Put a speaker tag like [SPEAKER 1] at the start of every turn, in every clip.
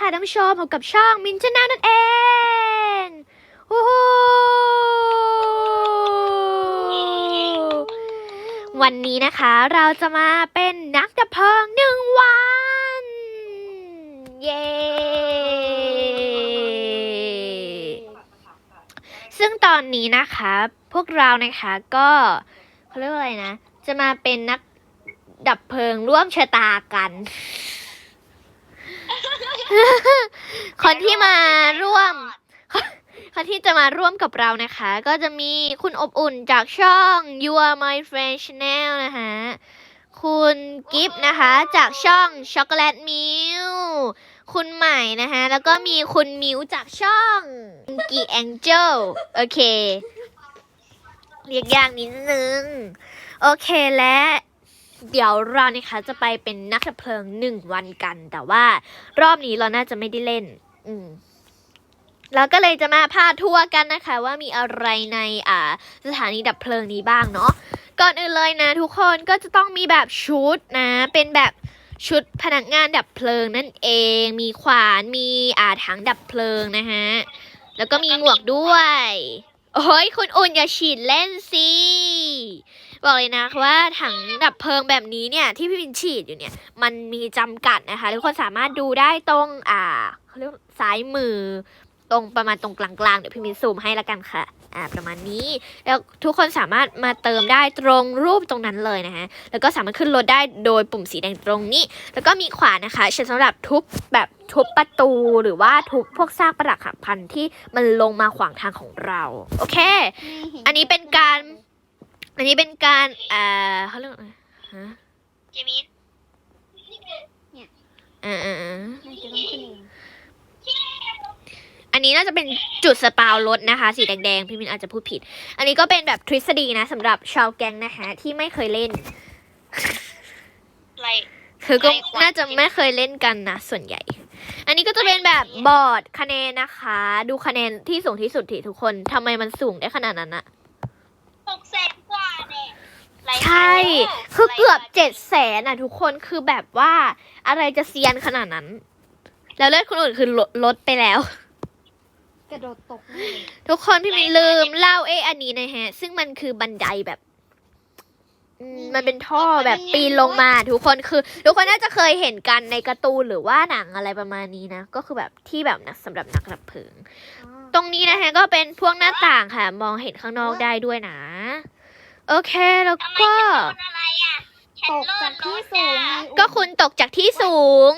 [SPEAKER 1] ท่านผู้ชมพบกับช่องมินชาแนลนั่นเองโอ้โหวันนี้นะคะเราจะมาเป็นนักดับเพลิง1 วันเย้ซึ่งตอนนี้นะคะพวกเรานะคะก็เขาเรียกว่าอะไรนะจะมาเป็นนักดับเพลิงร่วมชะตากันคนที่มาร่วมคนที่จะมาร่วมกับเรานะคะก็จะมีคุณอบอุ่นจากช่อง You Are My Friend Channel นะคะคุณกิฟต์นะคะจากช่อง Chocolate Milk คุณใหม่นะคะแล้วก็มีคุณมิวจากช่องกีแองเจิลโอเคเรียกยากนิดนึงโอเคและเดี๋ยวเรานะคะจะไปเป็นนักดับเพลิง1 วันกันแต่ว่ารอบนี้เราน่าจะไม่ได้เล่นเราก็เลยจะมาพาทัวร์กันนะคะว่ามีอะไรในสถานีดับเพลิงนี้บ้างเนาะก่อนอื่นเลยนะทุกคนก็จะต้องมีแบบชุดนะเป็นแบบชุดพนักงานดับเพลิงนั่นเองมีขวานมีถังดับเพลิงนะฮะแล้วก็มีหมวกด้วยโอ้ยคุณอุ่นอย่าฉีดเล่นสิบอกเลยนะว่าถังดับเพลิงแบบนี้เนี่ยที่พี่วินฉีดอยู่เนี่ยมันมีจำกัดนะคะทุกคนสามารถดูได้ตรงเขาเรียกซ้ายมือตรงประมาณตรงกลางๆเดี๋ยวพี่มินซูมให้ละกันค่ะประมาณนี้แล้วทุกคนสามารถมาเติมได้ตรงรูปตรงนั้นเลยนะคะแล้วก็สามารถขึ้นรถได้โดยปุ่มสีแดงตรงนี้แล้วก็มีขวานนะคะใช้สำหรับทุบแบบทุบประตูหรือว่าทุบพวกซากปรักหักพังที่มันลงมาขวางทางของเราโอเคอันนี้เป็นการเขาเรียกอะไรฮะ
[SPEAKER 2] เจมิส
[SPEAKER 1] เนี่ยอันนี้น่าจะเป็นจุดสปาวรถนะคะสีแดงๆพี่มินอาจจะพูดผิดอันนี้ก็เป็นแบบทฤษฎีนะสำหรับชาวแก๊งนะคะที่ไม่เคยเล่นคือก็น่าจะไม่เคยเล่นกันนะส่วนใหญ่อันนี้ก็จะเป็นแบบบอร์ดคะแนนนะคะดูคะแนนที่สูงที่สุดที่ทุกคนทำไมมันสูงได้ขนาดนั้นอะ
[SPEAKER 2] 600,000 กว่าเนี่ย
[SPEAKER 1] ใช่คือเกือบ700,000อ่ะทุกคนคือแบบว่าอะไรจะเซียนขนาดนั้นแล้วเลือดคนอื่นคือลดไปแล้ว
[SPEAKER 3] กระโดดตก
[SPEAKER 1] ทุกคนพี่มินลืมเล่าอันนี้นะฮะซึ่งมันคือบันไดแบบมันเป็นท่อแบบปีนลงมาทุกคนคือทุกคนน่าจะเคยเห็นกันในการ์ตูนหรือว่าหนังอะไรประมาณนี้นะก็คือแบบที่แบบสำหรับนักดับเพลิงตรงนี้นะฮะก็เป็นพวกหน้าต่างค่ะมองเห็นข้างนอกได้ด้วยนะโอเคแล้วก็
[SPEAKER 3] ตกจากที่สูง
[SPEAKER 1] ก็คุณตกจากที่สูง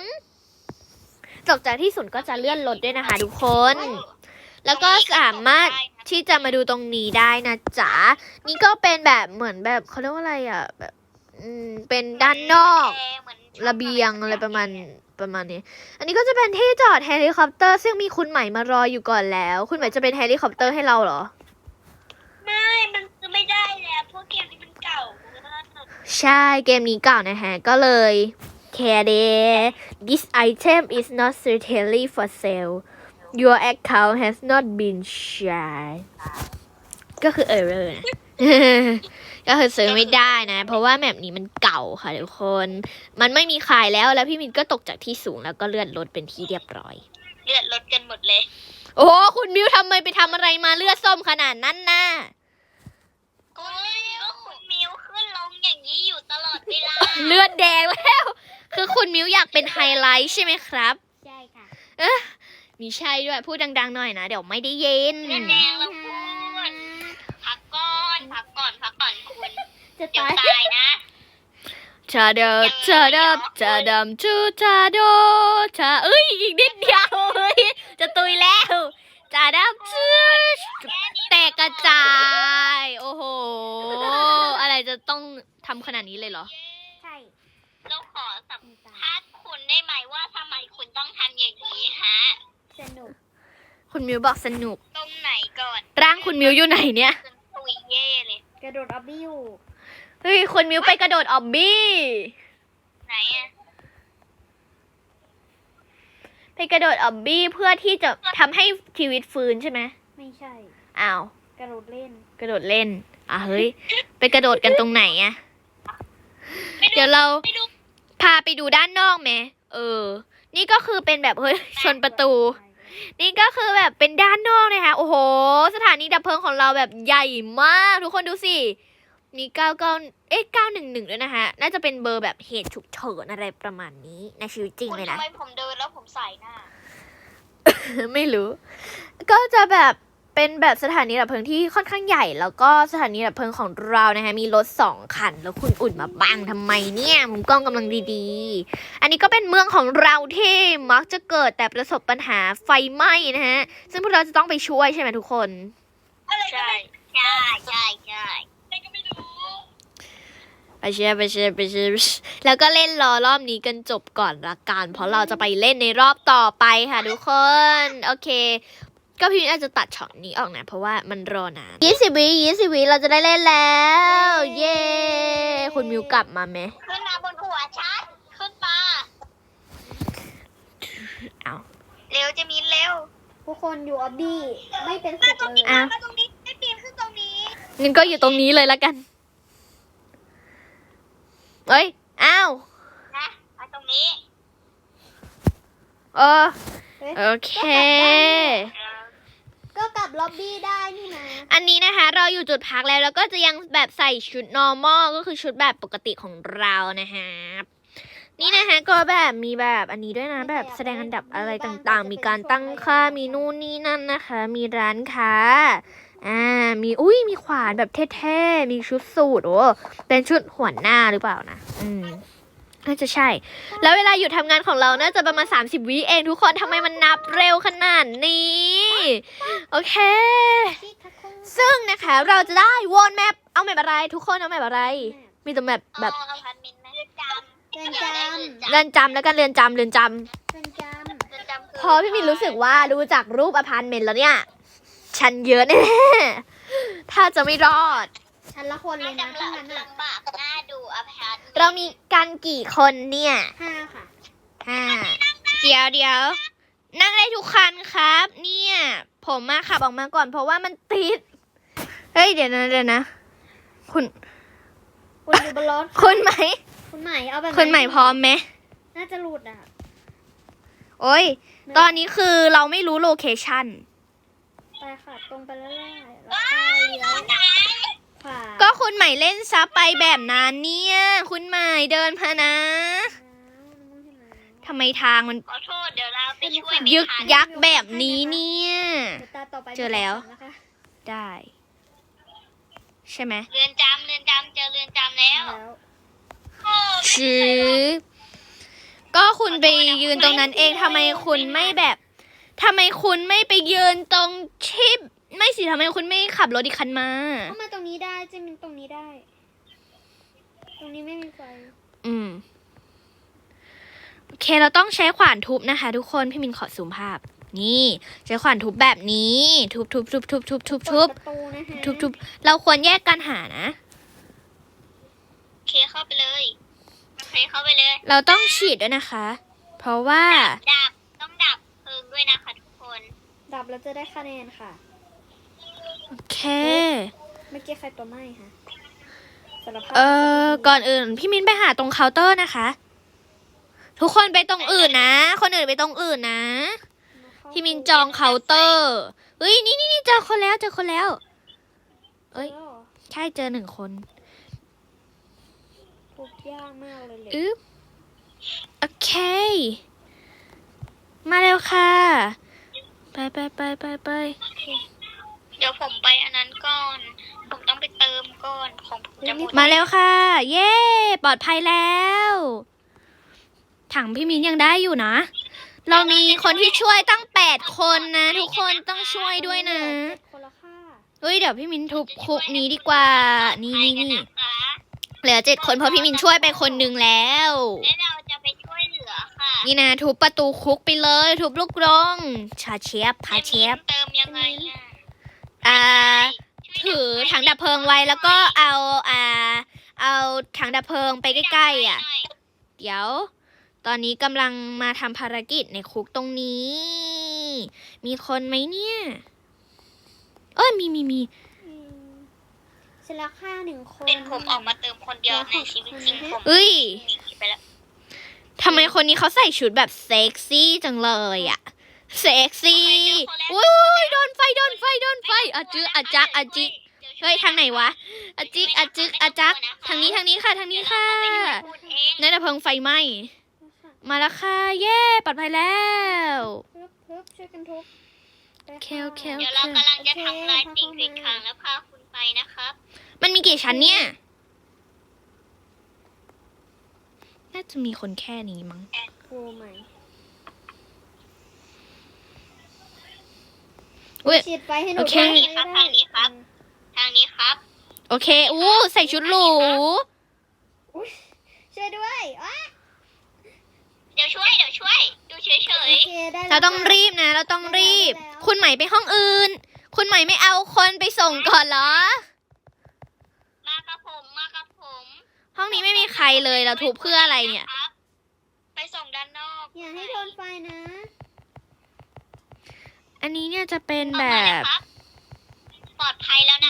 [SPEAKER 1] ก็จะเลื่อนรถด้วยนะคะทุกคนแล้วก็สามารถที่จะมาดูตรงนี้ได้นะจ๊ะนี่ก็เป็นแบบเหมือนแบบเขาเรียกว่าอะไรอ่ะแบบเป็นด้านนอกระเบียงอะไรประมาณนี้อันนี้ก็จะเป็นที่จอดเฮลิคอปเตอร์ซึ่งมีคุณใหม่มารออยู่ก่อนแล้วคุณใหม่จะเป็นเฮลิคอปเตอร์ให้เราเหรอ
[SPEAKER 2] ไม่มันซื้อไม่ได้แล้วพวกเกมนี้มันเก่า
[SPEAKER 1] ใช่เกมนี้เก่านะฮะก็เลยแค่เด this item is not certainly for sale your account has not been shared ก็คือ error นะ ก็คือซื้อไม่ได้นะเพราะว่าแมปนี้มันเก่าค่ะทุกคนมันไม่มีขายแล้วพี่มินก็ตกจากที่สูงแล้วก็เลื่อนรถเป็นที่เรียบร้อย
[SPEAKER 2] เลือดลดกันหมดเลย
[SPEAKER 1] โอ้คุณมิวทำไมไปทำอะไรมาเลือดส้มขนาดนั้นน่ะ
[SPEAKER 2] ก็คุณมิวขึ้นลงอย่างนี้อยู่ตลอดเวลา
[SPEAKER 1] เลือดแดงแล้วคือคุณมิวอยากเป็นไฮไลท์ใช่ไหมครับ
[SPEAKER 3] ใช่ค่ะ
[SPEAKER 1] มีใช่ด้วยพูดดังๆหน่อยนะเดี๋ยวไม่ได้ยิน
[SPEAKER 2] เลือดแดงแล้วพูดพักก่อนคุณ
[SPEAKER 3] จะ
[SPEAKER 2] ตายนะ
[SPEAKER 1] ชาดำจูชาโดชาอีกนิดเดียวจะตุยแล้วชาดำจูแตกกระจายโอ้โหอะไรจะต้องทำขนาดนี้เลยเหรอ
[SPEAKER 3] ใช่
[SPEAKER 2] เราขอสัมภาษณ์คุณได้ไหมว่าทำไมคุณต้องทำอย่างนี้ฮะ
[SPEAKER 3] สนุก
[SPEAKER 1] คุณมิวบอกสนุก
[SPEAKER 2] ตรงไหนก่อน
[SPEAKER 1] ร่างคุณมิวอยู่ไหนเนี่ย
[SPEAKER 2] ตุยเย่เลย
[SPEAKER 3] กระโดดออบบี้อยู่
[SPEAKER 1] เฮ้ยคุณมิวไปกระโดดออบบี้
[SPEAKER 2] ไหนอะ
[SPEAKER 1] ไปกระโดดออบบี้เพื่อที่จะทำให้ชีวิตฟื้นใช่ไหม
[SPEAKER 3] ไม่ใช่
[SPEAKER 1] อ้าว
[SPEAKER 3] กระโดดเล่น
[SPEAKER 1] เฮ้ยไปกระโดดกันตรงไหนอะเดี๋ยวเราพาไปดูด้านนอกไหมนี่ก็คือเป็นแบบเฮ้ยชนประตู นี่ก็คือแบบเป็นด้านนอกนะคะ โอ้โห สถานีดับเพลิงของเราแบบใหญ่มาก ทุกคนดูสิ มี911ด้วยนะคะ น่าจะเป็นเบอร์แบบเหตุฉุกเฉินอะไรประมาณนี้ในชีวิตจริง
[SPEAKER 2] คุณ
[SPEAKER 1] เลย
[SPEAKER 2] ทำ
[SPEAKER 1] นะ
[SPEAKER 2] ไมผมเดินแล้วผมใส่หน้า
[SPEAKER 1] ไม่รู้ ก็จะแบบเป็นแบบสถานีดับเพลิงที่ค่อนข้างใหญ่ แล้วก็สถานีดับเพลิงของเรานะคะมีรถ2 คัน แล้วคุณอุ่นมาบังทำไมเนี่ยมุมกล้องกำลังดีๆ อันนี้ก็เป็นเมืองของเราที่มักจะเกิดแต่ประสบปัญหาไฟไหม้นะฮะ ซึ่งพวกเราจะต้องไปช่วยใช่ไหมทุกคน
[SPEAKER 2] ใช่ใช่ใช่ใช่อะไรก็ไม่รู้
[SPEAKER 1] ไปเชียร์แล้วก็เล่นรอบนี้กันจบก่อนละกัน เพราะเราจะไปเล่นในรอบต่อไปค่ะทุกคน โอเค ก็พี่อาจจะตัดช็อตนี้ออกนะ เพราะว่ามันรอนาน20 วิเราจะได้เล่นแล้ว เย้ คุณมิวกลับมาไหม
[SPEAKER 2] ขึ้นมาบนหัวฉันขึ้นมา
[SPEAKER 1] เอา
[SPEAKER 2] เร็วจะมีเร็ว
[SPEAKER 3] ทุกคนอยู่ออบบี้ไม่เป็นสุขเลย
[SPEAKER 1] อ้าว
[SPEAKER 2] มาตรงนี้ไม่ปีนขึ้นตรงนี้
[SPEAKER 1] งั้นก็อยู่ตรงนี้เลยละกัน เอ้ย อ้าว
[SPEAKER 2] นะมาตรงนี้
[SPEAKER 1] เออ โอเค
[SPEAKER 3] ก็กลับล็อบบี้ได้นี่นะ
[SPEAKER 1] อันนี้นะคะเราอยู่จุดพักแล้วก็จะยังแบบใส่ชุด normal ก็คือชุดแบบปกติของเรานะคะนี่นะคะก็แบบมีแบบอันนี้ด้วยนะแบบแสดงอันดับอะไรต่างๆ มีการตั้งค่ามีนู่นนี่นั่นนะคะ มีร้านค้ามีขวานแบบเท่ๆมีชุดสูทโอ้เป็นชุดหัวหน้าหรือเปล่านะน่าจะใช่ แล้วเวลาหยุดทำงานของเราน่าจะประมาณ30 วิเองทุกคนทำไมมันนับเร็วขนาดนี้ โอเค ซึ่งนะคะเราจะได้วนแมปเอาแมปอะไร ทุกคนเอาแมปอะไร มีแต่แมปแบบ
[SPEAKER 2] เอาพันมินไหมเรือนจำ
[SPEAKER 3] เรือนจำ
[SPEAKER 1] เรือนจำแล้วกันเรือนจำ
[SPEAKER 3] เรือนจ
[SPEAKER 2] เรือนจำ
[SPEAKER 1] พอพี่มินรู้สึกว่าดูจากรูปอพาร์ตเมนต์แล้วเนี่ย ฉันเยอะแน่ๆถ้าจะไม่รอด
[SPEAKER 3] ำชั้นละคนเลยนะทั้งนั้นอ่ะ
[SPEAKER 2] ลำบากน่าดูอพาร์ตเมนต์
[SPEAKER 1] เรามีกันกี่คนเนี่ย
[SPEAKER 3] 5 ค่ะ
[SPEAKER 1] เดี๋ยวนั่งได้ทุกคันครับ เนี่ย ผมมาขับออกมาก่อนเพราะว่ามันติด เฮ้ยเดี๋ยวนะคุณ
[SPEAKER 3] คุณอยู่บนรถ
[SPEAKER 1] คุณไหม
[SPEAKER 3] คุณใหม่เอาแบบ
[SPEAKER 1] คุณใหม่พร้อมไหม
[SPEAKER 3] น่าจะหลุดอ่ะ
[SPEAKER 1] โอ้ย ตอนนี้คือเราไม่รู้โลเคชั่น
[SPEAKER 3] ไปค่ะตรงไปเรื่อยๆแล้วก็เลี้ยวขวา
[SPEAKER 1] ก็คุณใหม่เล่นซับไปแบบนั้นเนี่ย คุณใหม่เดินพานะทำไมทางมัน
[SPEAKER 2] ขอโทษเดี๋ยวเราไปช่วย
[SPEAKER 1] ยึกยักแบบนี้เนี่ย
[SPEAKER 3] เดี๋ยวตาต่อไป
[SPEAKER 1] เจอแล้ว
[SPEAKER 3] นะคะ
[SPEAKER 1] ได้ ใช่ไหม
[SPEAKER 2] เรือนจำเจอเรือนจำแล้ว
[SPEAKER 3] แล้ว
[SPEAKER 1] ชือก็คุณไปยืนตรงนั้นเองทำไมคุณไม่แบบทำไมคุณไม่ไปยืนตรงชิปไม่สิทำไมคุณไม่ขับรถอีกคันมา
[SPEAKER 3] เข้ามาตรงนี้ได้เจมินตรงนี้ได้ ตรงนี้ไม่มีไฟ
[SPEAKER 1] โอเคเราต้องใช้ขวานทุบนะคะ ทุกคนพี่มินขอซูมภาพ นี่ใช้ขวานทุบแบบนี้ ทุบ
[SPEAKER 3] เปิดประตูนะคะ
[SPEAKER 1] ทุบเราควรแยกกันหานะ
[SPEAKER 2] โอเคเข้าไปเลยโอเคเข้าไปเลย
[SPEAKER 1] เราต้องฉีดด้วยนะคะ เพราะว่า
[SPEAKER 2] ดับต้องดับเพลิงด้วยนะคะทุกคน
[SPEAKER 3] ดับแล้วจะได้คะแนนค่ะ
[SPEAKER 1] โอเค
[SPEAKER 3] เมื่อกี้ใครตัวไหม้คะสารภาพ
[SPEAKER 1] ก่อนอื่นพี่มินไปหาตรงเคาน์เตอร์นะคะ ทุกคนไปตรงอื่นนะ คนอื่นไปตรงอื่นนะ พี่มินจองเคาน์เตอร์เฮ้ยนี่เจอคนแล้วเอ้ย ใช่เจอ1 คน
[SPEAKER 3] ทุกยากมากเลยเลย
[SPEAKER 1] อึ๊บโอเค มาเร็วค่ะ ไป
[SPEAKER 2] เดี๋ยวผมไปอันนั้นก่อน ผมต้องไปเติมก่อนของผมจะหมด
[SPEAKER 1] มาเร็วค่ะ เย้ปลอดภัยแล้ว ถังพี่มินยังได้อยู่นะ เรามีคนที่ช่วยตั้ง8 คนนะ ทุกคนต้องช่วยด้วยนะ
[SPEAKER 3] 7 คนละค่ะ
[SPEAKER 1] เฮ้ยเดี๋ยวพี่มินทุบคุกนี้ดีกว่า นี่
[SPEAKER 2] นะคะ
[SPEAKER 1] เหลือ7 คนเพราะพี่มินช่วยไปคนหนึ่งแล้ว
[SPEAKER 2] และเราจะไปช่วยเหลือค่ะ
[SPEAKER 1] นี่นะทุบประตูคุกไปเลย ทุบลูกกรงพาเชฟ
[SPEAKER 2] เติมยังไงอะ
[SPEAKER 1] ถือถังดับเพลิงไว้แล้วก็เอาถังดับเพลิงไปใกล้ๆอ่ะ เดี๋ยว ตอนนี้กำลังมาทำภารกิจในคุกตรงนี้ มีคนไหมเนี่ย เอ้ยมี
[SPEAKER 3] เสร็จแล้วค่า1 คน
[SPEAKER 2] เป็นผมออกมาเติมคนเดียวในชีวิตจริงผม
[SPEAKER 1] เอ้ย
[SPEAKER 2] หนีไปแล้ว
[SPEAKER 1] ทำไมคนนี้เขาใส่ชุดแบบเซ็กซี่จังเลยอะเซ็กซี่อุ้ยโดนไฟอะจื้ออะจักอะจิเฮ้ยทางไหนวะอะจิกอะจึกอะจักทางนี้ค่ะทางนี้ค่ะนายดับเพลิงไฟไหม้มาแล้วค่ะเย้ปลอดภัยแล้ว
[SPEAKER 3] ฮึบช่วยกันทุบไป
[SPEAKER 1] โอเค
[SPEAKER 3] ค่ะ
[SPEAKER 1] โอเค
[SPEAKER 2] เดี๋ยวเรากำลังจะทำลายสิ่งกีดขวางแล้วพาคุณไปนะครับ
[SPEAKER 1] มันมีกี่ชั้นเนี่ย น่าจะมีคนแค่นี้มั้ง
[SPEAKER 3] โอ้ไม่
[SPEAKER 1] อุ๊ย
[SPEAKER 3] ฉีดไฟให้หนู
[SPEAKER 1] โอเค
[SPEAKER 3] ด้วย
[SPEAKER 2] ทางนี้ครับ ทางนี้ครับ
[SPEAKER 1] โอเคอู้ใส่ชุดหรู
[SPEAKER 3] อุ๊ยช่วยด้วยอ้า
[SPEAKER 2] เดี๋ยวช่วยอยู่เฉ
[SPEAKER 3] โอย เคได้แล้ว
[SPEAKER 1] เราต้อง
[SPEAKER 3] ค่ะ
[SPEAKER 1] รีบนะ เราต้องรีบ
[SPEAKER 3] ได้แล้ว
[SPEAKER 1] คุณใหม่ไปห้องอื่น คุณใหม่ไม่เอาคนไปส่งก่อนเหรอ
[SPEAKER 2] ๆมากับผม
[SPEAKER 1] ห้องนี้ไม่มีใครเลย เราทุบเพื่ออะไรเนี่ย
[SPEAKER 2] ครับไปส่งด้านนอก
[SPEAKER 3] อย่าให้โดนไฟนะ
[SPEAKER 1] อันนี้เนี่ยจะเป็น
[SPEAKER 2] ออก
[SPEAKER 1] แบ
[SPEAKER 2] มาแล้ว
[SPEAKER 1] บ
[SPEAKER 2] ครับ ปลอดภัยแล้วนะ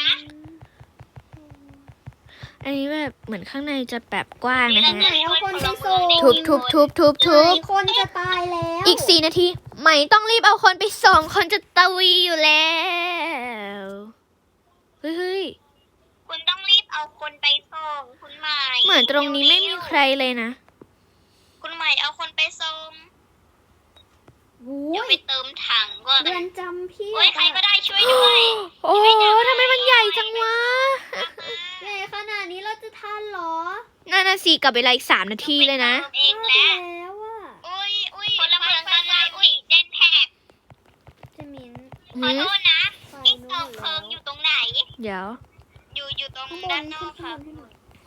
[SPEAKER 1] อันนี้แบบเหมือนข้างในจะแบบกว้างนะ
[SPEAKER 3] ไหน
[SPEAKER 1] ฮะ
[SPEAKER 3] เอาคนไปส่ง
[SPEAKER 1] ทุบ
[SPEAKER 3] ไหนคนจะตายแล้ว
[SPEAKER 1] อีก4 นาที ใหม่ต้องรีบเอาคนไปส่ง คนจะตะวีอยู่แล้ว เฮ้ย
[SPEAKER 2] คุณต้องรีบเอาคนไปส่งคุณใหม่
[SPEAKER 1] เหมือนตรงนี้ไม่มีใครเลยนะ
[SPEAKER 2] คุณใหม่เอาคนไปส่ง
[SPEAKER 3] โอ้
[SPEAKER 2] เดี๋ยวย ไปเติมถังก่อน
[SPEAKER 3] เรือนจำพี่
[SPEAKER 2] โอ้ยใครก็ได้ช่วยด้วย
[SPEAKER 1] โอ้ทำไมมันใหญ่จังวะ
[SPEAKER 3] ใหญ่ขนาดนี้เราจะทันเหรอ
[SPEAKER 1] น่าสิกลับเวลาอีก3 นาทีเลยนะ
[SPEAKER 2] เอง
[SPEAKER 3] พลาด
[SPEAKER 2] แล้ว
[SPEAKER 3] แล้วอ่ะ
[SPEAKER 2] อุ้ยคนละเมืองกันเลยอุ้ยเดนแท็ก
[SPEAKER 3] เจมิน
[SPEAKER 2] ขอโทษนะ
[SPEAKER 3] ไฟ
[SPEAKER 2] ที่
[SPEAKER 3] นู้
[SPEAKER 2] กอง
[SPEAKER 3] น
[SPEAKER 2] เพลิงอยู่ตรงไหน
[SPEAKER 1] เดี๋ยว
[SPEAKER 2] อยู่ตรง
[SPEAKER 3] ข้างบ
[SPEAKER 2] ด้าน นน
[SPEAKER 3] ขึ้
[SPEAKER 2] อน กค
[SPEAKER 3] ข้าง
[SPEAKER 2] รับบ
[SPEAKER 3] นให้หน่อย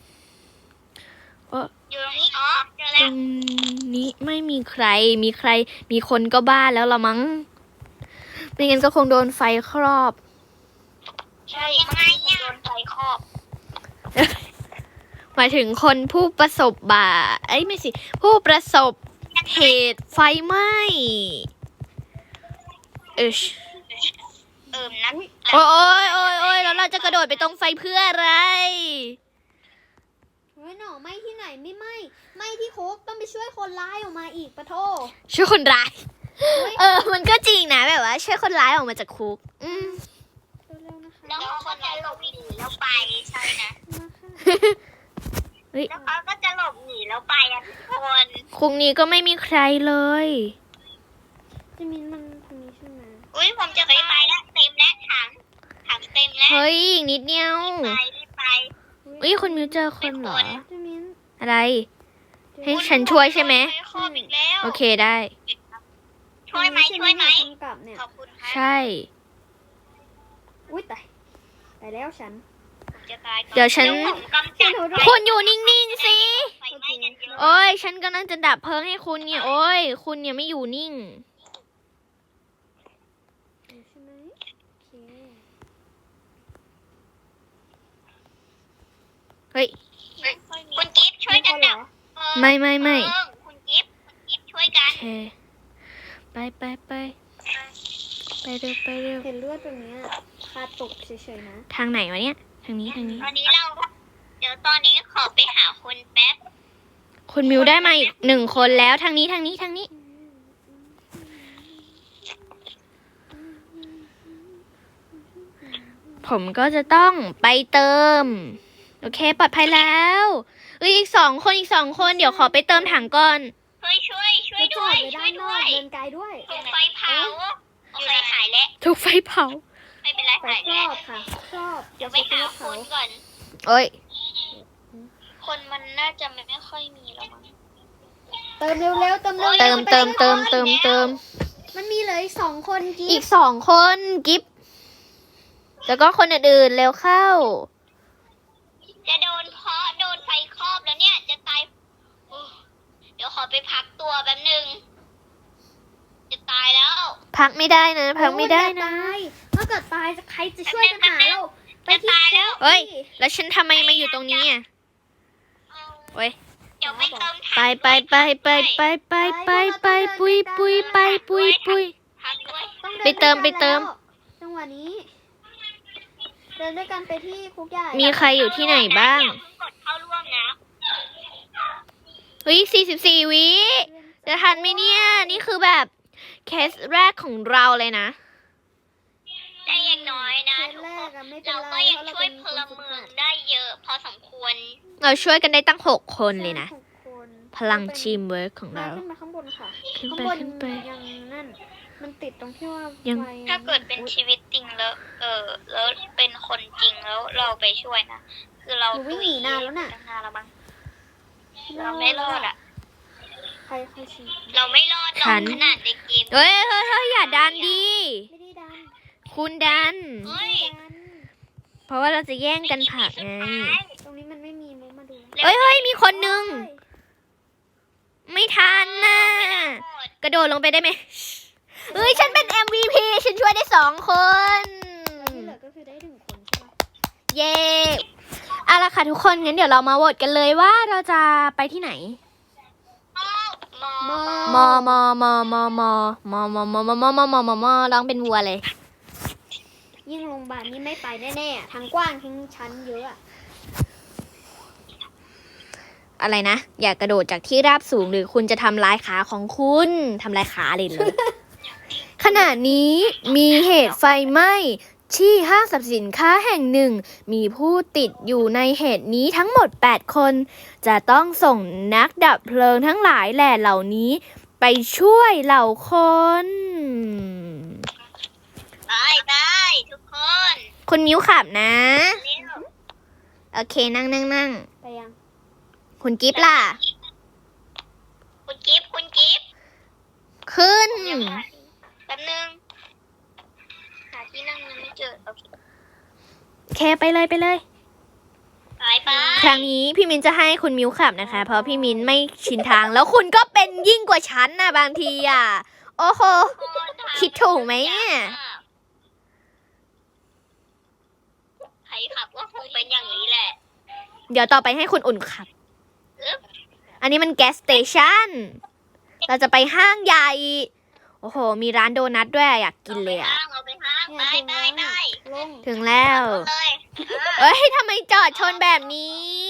[SPEAKER 2] อยู่ตรงนี้อ๋อเจอ
[SPEAKER 1] ต
[SPEAKER 2] แล้
[SPEAKER 1] ร
[SPEAKER 2] ว
[SPEAKER 1] งนี้ไม่มีใคร มีคนก็บ้าแล้วละมั้ง ไม่งั้นก็คงโดนไฟครอบ
[SPEAKER 2] ใช่ยังไงเนี่ยโดนไฟครอบ
[SPEAKER 1] หมายถึงคนผู้ประสบบาเอ้ยไม่สิ ผู้ประสบเหตุไฟไหม้
[SPEAKER 2] นั
[SPEAKER 1] นะ
[SPEAKER 2] ด
[SPEAKER 1] โอ้ยแล้วเราจะกระโดดไปตรงไฟเพื่ออะไร
[SPEAKER 3] เฮ้ยหน่อไหม้ที่ไหนไม่ไหม้ไหม้ที่โคกต้องไปช่วยคนร้ายออกมาอีกปะโท
[SPEAKER 1] ช่วยคนร้าย มันก็จริงนะแบบว่าช่วยคนร้ายออกมาจากคุก
[SPEAKER 3] เร็วๆนะคะ
[SPEAKER 2] แล้วเขาก็จะหลบหนีแล้วไปใช่นะ
[SPEAKER 3] มาค่ะ
[SPEAKER 2] แล้วเขาก็จะหลบหนีแล้วไปอ่ะทุกคน
[SPEAKER 1] คุกนี้ก็ไม่มีใครเลย
[SPEAKER 3] เจมินมันตรงนี้ใช่ไหม
[SPEAKER 2] อุ้ยผมจะไปแล้วเต็มแล้วถังเต็มแล้ว
[SPEAKER 1] เฮ้ยอีกนิดเดียว
[SPEAKER 2] รีบไป
[SPEAKER 1] อุ้ยคุณมิวเจอคนเหรอ
[SPEAKER 3] เจมิน
[SPEAKER 1] อะไร
[SPEAKER 3] เจ
[SPEAKER 1] ให้
[SPEAKER 3] มิน
[SPEAKER 1] ฉันช่วยใช่ไหม
[SPEAKER 2] ฟครอบอีกแล้ว
[SPEAKER 1] โอเคได้
[SPEAKER 2] ช่วยไหม
[SPEAKER 3] ใช่ทำกลับเนี่ย
[SPEAKER 2] ขอบคุณครับ
[SPEAKER 1] ใช่
[SPEAKER 3] อุ้ยตายตายแล้วฉัน
[SPEAKER 2] ผมจะตายก่อน
[SPEAKER 1] เดี๋ยวฉัน
[SPEAKER 2] ผมกำจัด
[SPEAKER 1] คุณอยู่นิ่งๆสิ
[SPEAKER 2] ไฟไหม้กันเยอะ
[SPEAKER 1] โอ้ยฉันกำลังจะดับเพลิงให้คุณเนี่ย โอ้ยคุณเนี่ยไม่อยู่นิ่ง
[SPEAKER 3] อยู่ใช่ไหมโอเค
[SPEAKER 1] เฮ้ย
[SPEAKER 2] คุณกิฟต์ช่วย
[SPEAKER 3] มี
[SPEAKER 2] กั
[SPEAKER 3] คน นเหร
[SPEAKER 2] ดับ
[SPEAKER 3] อ
[SPEAKER 2] เพลิง
[SPEAKER 1] ไม่
[SPEAKER 2] คุณกิฟต์ช่วยกั
[SPEAKER 1] โอน เคไปเร็ว
[SPEAKER 3] เห็นเลือดตรงเนี้ยคาตกเฉยๆนะ
[SPEAKER 1] ทางไหนวะเนี่ย ทางนี้
[SPEAKER 2] ตอนนี้เดี๋ยวตอนนี้ขอไปหาคนแป๊บ
[SPEAKER 1] คุณมิวได้มาอีก1 คนแล้วทางนี้ ผมก็จะต้องไปเติม โอเคปลอดภัยแล้วอีกสองคนเดี๋ยวขอไปเติมถังก่อน
[SPEAKER 2] ช่วย
[SPEAKER 3] จะจ
[SPEAKER 2] ด้
[SPEAKER 3] อ
[SPEAKER 2] ว
[SPEAKER 3] ด
[SPEAKER 2] ย
[SPEAKER 3] ไว้
[SPEAKER 2] ช่
[SPEAKER 3] ด้า
[SPEAKER 2] วย
[SPEAKER 3] นน
[SPEAKER 2] ด้
[SPEAKER 3] อ
[SPEAKER 2] ว
[SPEAKER 3] ก
[SPEAKER 2] ย
[SPEAKER 3] เดินไกลด้วย
[SPEAKER 2] ถูกไฟเผาโอเคหายแล้ว
[SPEAKER 1] ถูกไฟเผา
[SPEAKER 2] ไม่เป็นไร
[SPEAKER 3] ไป
[SPEAKER 2] หาย
[SPEAKER 3] คร
[SPEAKER 2] แล้
[SPEAKER 3] อ
[SPEAKER 2] ว
[SPEAKER 3] บค่ะครอบ
[SPEAKER 2] เดี๋ยวไปหาคนก่อน
[SPEAKER 1] โอ้ย
[SPEAKER 2] คนมันน่าจะไม่ค่อยมีแล้วมั้ง
[SPEAKER 3] เติมเร็วๆเติมเร็วๆ
[SPEAKER 1] เติม
[SPEAKER 3] ไป
[SPEAKER 1] เติม
[SPEAKER 3] ที่
[SPEAKER 1] เติม
[SPEAKER 3] คน
[SPEAKER 1] เติมเติม
[SPEAKER 3] มันมีเหลืออีก2 คนกิ๊
[SPEAKER 1] อี
[SPEAKER 3] บ
[SPEAKER 1] ก2 คนกิฟแล้วก็คนอื่นๆเร็วเข้า
[SPEAKER 2] จะโดนไฟครอบแล้วเนี่ยจะตายโอ้เดี๋ยวขอไปพักตัวแป๊บนึงจะตายแล้ว
[SPEAKER 1] พักไม่ได้นะ พักไม่ได้นะ
[SPEAKER 3] โอ้ยอย่าตายถ้าเกิดตายใครจะช่วยกันหาเราไปที่
[SPEAKER 2] จะตายแล้ว
[SPEAKER 3] คุก
[SPEAKER 1] เฮ้ย
[SPEAKER 3] สิ
[SPEAKER 1] แล้วฉันทำไมมาอยู่ตรงนี้อ่ะโอ้ย
[SPEAKER 2] เดี๋ยวไปเติมถัง
[SPEAKER 1] ไปปุยไปปุย
[SPEAKER 2] พักด้วย
[SPEAKER 3] ต้อง
[SPEAKER 1] ไปเติม
[SPEAKER 3] ด้วยกันแล้วจังหวะนี้ เดินด้วยกันไปที่คุกใหญ่
[SPEAKER 1] มีใครอยู่ที่ไหนบ้าง
[SPEAKER 2] อย่เพิ่งกดเข้าร่วมนะ
[SPEAKER 1] เฮ้ย44 วิ จะทันไหมเนี่ย นี่คือแบบเคสแรกของเราเลยนะ
[SPEAKER 2] แต่อย่างน้อยนะ
[SPEAKER 3] เคส
[SPEAKER 2] ทุก
[SPEAKER 3] แร
[SPEAKER 2] ค
[SPEAKER 3] ก
[SPEAKER 2] น
[SPEAKER 3] อะไม่เป็น
[SPEAKER 2] เรา
[SPEAKER 3] ไร
[SPEAKER 2] ก็ยัง
[SPEAKER 3] เพราะเรา
[SPEAKER 2] ช่วย
[SPEAKER 3] เป็น
[SPEAKER 2] พ
[SPEAKER 3] คน
[SPEAKER 2] ล
[SPEAKER 3] ฝึก
[SPEAKER 2] เมือ
[SPEAKER 3] หั
[SPEAKER 2] ง
[SPEAKER 3] ด
[SPEAKER 2] ได้เยอะพอสมควร
[SPEAKER 1] เราช่วยกันได้ตั้ง6 คนเลยนะ
[SPEAKER 3] ใช่6 คน
[SPEAKER 1] พลังทีมเวิร์กของ
[SPEAKER 3] มา
[SPEAKER 1] เรา
[SPEAKER 3] ขึ้นมาข้างบนค่ะ
[SPEAKER 1] ขึ้น
[SPEAKER 3] ข้าง
[SPEAKER 1] ไป
[SPEAKER 3] บน
[SPEAKER 1] ขึ้นไป
[SPEAKER 3] ยังนั่น มันติดตรงที่ว่า
[SPEAKER 1] ยัง
[SPEAKER 3] ไฟ
[SPEAKER 2] ถ้าเกิดเป็นชีวิตจริงแล้ว แล้วเป็นคนจริงแล้วเราไปช่วยนะ คือเรา
[SPEAKER 3] หนูวิ่งหนีนานแล้วน่ะ
[SPEAKER 2] ตั้งนานแล้วมั้งเราไม่รอดอ่ะ
[SPEAKER 3] ใครฉีด
[SPEAKER 2] เราไม่รอดหรอ
[SPEAKER 1] ฉั
[SPEAKER 2] ก
[SPEAKER 1] น
[SPEAKER 2] ขนาดในเกม
[SPEAKER 1] เฮ้ยอย่าดันดี
[SPEAKER 3] ไม่ได้ดัน
[SPEAKER 1] คุณดัน
[SPEAKER 2] เฮ้ย
[SPEAKER 3] ดัน
[SPEAKER 1] เพราะว่าเราจะแย่งกันผลักไง
[SPEAKER 3] ตรงนี้มันไม่มีมุกมาดู
[SPEAKER 1] เฮ้ย มีคนนึง ไม่ทันน่ะ กระโดดลงไปได้ไหมเฮ้ย ฉันเป็น MVP ฉันช่วยได้2 คน
[SPEAKER 3] แล้วที่เหลือก็คือได้1 คนใช่ปะ
[SPEAKER 1] เย้เอาละค่ะทุกคนงั้นเดี๋ยวเรามาโหวตกันเลยว่าเราจะไปที่ไหน
[SPEAKER 2] มอ
[SPEAKER 1] มอมอมอมอมอมอมอมอมอมอมอมอมอมอร้องเป็นวัวเลย
[SPEAKER 3] ยิ่งโรงพยาบาลนี่ไม่ไปแน่ๆอะทั้งกว้างทั้งชั้นเยอะอะ
[SPEAKER 1] อะไรนะ อย่ากระโดดจากที่ราบสูงหรือคุณจะทำลายขาของคุณทำลายขาเลยเลย ขณะนี้มีเหตุไฟไหม้ที่ห้างสรรพสินค้าแห่งหนึ่ง มีผู้ติดอยู่ในเหตุนี้ทั้งหมด 8 คน จะต้องส่งนักดับเพลิงทั้งหลายแหล่เหล่านี้ ไปช่วยเหล่าคน
[SPEAKER 2] ไปทุกคน
[SPEAKER 1] คุณมิ้วขับนะ
[SPEAKER 2] เร็ว
[SPEAKER 1] โอเคนั่ง
[SPEAKER 3] ไปยัง
[SPEAKER 1] คุณกิฟต์ล่ะ
[SPEAKER 2] คุณกิฟต์
[SPEAKER 1] ขึ้น
[SPEAKER 2] แป๊บนึงหาที่นั่งยังไม่เจอโอเค
[SPEAKER 1] เคไปเลย
[SPEAKER 2] ไป
[SPEAKER 1] ครั้งนี้พี่มินจะให้คุณมิ้วขับนะคะ เพราะพี่มินไม่ชินทาง แล้วคุณก็เป็นยิ่งกว่าฉันนะบางทีอ่ะ โอ้โห คิดถูกไหมเนี่ย
[SPEAKER 2] ใครขับก็คงเป็นอย่างนี้แหละ
[SPEAKER 1] เดี๋ยวต่อไปให้คุณอุ่นขับ อันนี้มันแก๊สสเตชัน เราจะไปห้างใหญ่ โอ้โห มีร้านโดนัทด้วยอยากกินเลยอ่ะ
[SPEAKER 2] เราไปห้าง
[SPEAKER 3] เนี่ยถึงแล้วน่ะลง
[SPEAKER 1] ถึงแล้ว
[SPEAKER 2] เลย
[SPEAKER 1] เอ้ยทำไมจอดชนแบบนี้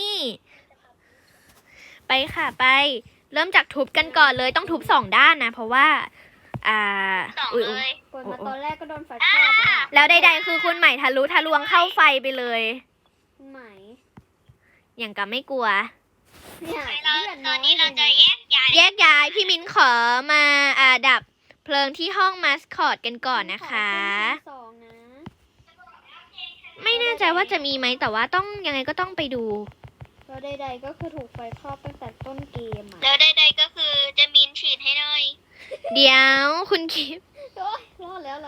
[SPEAKER 1] ไปค่ะไป เริ่มจากทุบกันก่อนเลยต้องทุบ2 ด้านนะ เพราะว่า
[SPEAKER 2] สอง
[SPEAKER 1] อุ๊ย
[SPEAKER 2] เลย
[SPEAKER 3] เปิดมาตอนแรกก็โดนไฟคลอกแล้วอะ
[SPEAKER 1] แล้วใดๆคือคุณใหม่ทะลุทะลวงเข้าไฟไปเลย
[SPEAKER 3] คุณไหม
[SPEAKER 1] อย่างกับไม่กลัว
[SPEAKER 3] เนี่ย
[SPEAKER 2] เรา
[SPEAKER 3] เลือด
[SPEAKER 2] ต
[SPEAKER 3] น้
[SPEAKER 2] อ
[SPEAKER 3] อน ย
[SPEAKER 2] นี้เราจะแยกย้าย
[SPEAKER 1] แยกย้ายพี่มิ้นขอมาดับเพลิงที่ห้องมาสคอตกันก่อนนะคะ
[SPEAKER 3] ขอเป็นชั้น2นะ
[SPEAKER 1] ไม่แน่ใจว่าจะมีไหมแต่ว่าต้องยังไงก็ต้องไปดู
[SPEAKER 3] แล้วใดๆก็คือถูกไฟคลอกตั้งแต่ต้นเกมอ่ะ
[SPEAKER 2] แล้วใดๆก็คือจะมีนฉีดให้หน่อย
[SPEAKER 1] เดี๋ยวคุณคิด
[SPEAKER 3] โอ๊ยรอดแล้วเรา